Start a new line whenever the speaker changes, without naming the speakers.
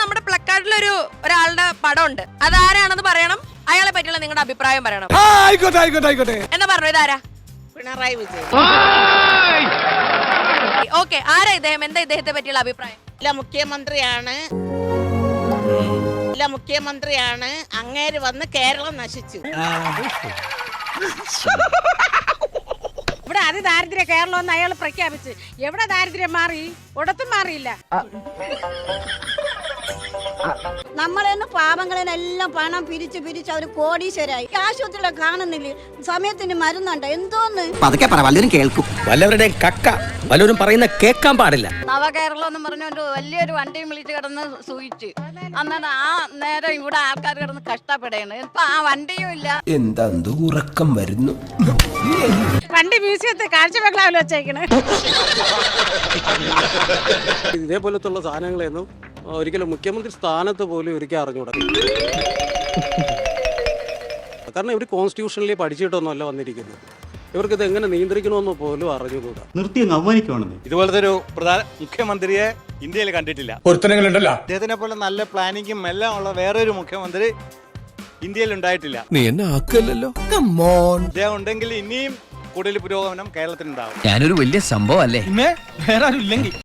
നമ്മുടെ പ്ലക്കാർഡിലൊരു ഒരാളുടെ പടം ഉണ്ട്. അതാരാണെന്ന് പറയണം. അയാളെ പറ്റിയുള്ള നിങ്ങളുടെ അഭിപ്രായം പറയണം.
ആയിക്കോട്ടെ.
എന്നാ പറഞ്ഞു, ഇതാരാ?
പിണറായി വിജയൻ.
ഓക്കെ, ആരാ ഇദ്ദേഹം? എന്താ ഇദ്ദേഹത്തെ പറ്റിയുള്ള അഭിപ്രായം?
മുഖ്യമന്ത്രിയാണ്. അങ്ങേര് വന്ന് കേരളം നശിച്ചു.
ഇവിടെ അതിദാരിദ്ര്യ കേരളം എന്ന് അയാൾ പ്രഖ്യാപിച്ച് എവിടെ ദാരിദ്ര്യം മാറി? ഒടത്തും മാറിയില്ല.
നമ്മളെന്ന് പാവങ്ങളെല്ലാം പണം പിരിച്ച് അവർ കോടീശ്വരായി. ആശുപത്രിയിലെ കാണുന്നില്ല, സമയത്തിന് മരുന്നുണ്ട്. എന്തോന്ന്
പതുക്കെ പറ, വല്ലവരും കേൾക്കും.
വല്ലവരുടെയും കക്ക വല്ലവരും പറയുന്ന കേൾക്കാൻ പാടില്ല.
നവകേരളം എന്ന് പറഞ്ഞൊരു വലിയൊരു വണ്ടിയും വിളിച്ച് കിടന്ന് സൂചിച്ച് അന്നാണ് ആ നേരം ഇവിടെ ആൾക്കാർ കിടന്ന് കഷ്ടപ്പെടുകയാണ്. ഇപ്പൊ ആ വണ്ടിയും ഇല്ല.
എന്താ ഉറക്കം വരുന്നു.
വണ്ടി മ്യൂസിയത്തെ കാഴ്ച ബംഗ്ലാവിൽ വെച്ചേക്കണ്.
ഇതേപോലത്തുള്ള സാധനങ്ങളെയൊന്നും ഒരിക്കലും മുഖ്യമന്ത്രി സ്ഥാനത്ത് പോലും ഒരിക്കലും അറിഞ്ഞുകൂടാ. കാരണം ഇവർ കോൺസ്റ്റിറ്റ്യൂഷനിൽ പഠിച്ചിട്ടൊന്നുമല്ല വന്നിരിക്കുന്നത്. ഇവർക്കിത് എങ്ങനെ നിയന്ത്രിക്കണമെന്ന് പോലും അറിഞ്ഞുകൂടാ.
നിർത്തി അങ്ങ് അവമാനിക്കുവാണെന്ന്.
ഇതുപോലത്തെ ഒരു പ്രധാന മുഖ്യമന്ത്രിയെ ഇന്ത്യയിൽ കണ്ടിട്ടില്ല. അദ്ദേഹത്തിനെ പോലെ നല്ല പ്ലാനിങ്ങും എല്ലാം ഉള്ള വേറൊരു മുഖ്യമന്ത്രി ഇന്ത്യയിൽ ഉണ്ടായിട്ടില്ല.
നീ എന്നെ ആക്കല്ലോ.
അദ്ദേഹം ഉണ്ടെങ്കിൽ ഇനിയും കൂടുതൽ പുരോഗമനം കേരളത്തിനുണ്ടാവും.
ഞാനൊരു വലിയ സംഭവം അല്ലേ?
വേറെ ആരും ഇല്ലെങ്കിൽ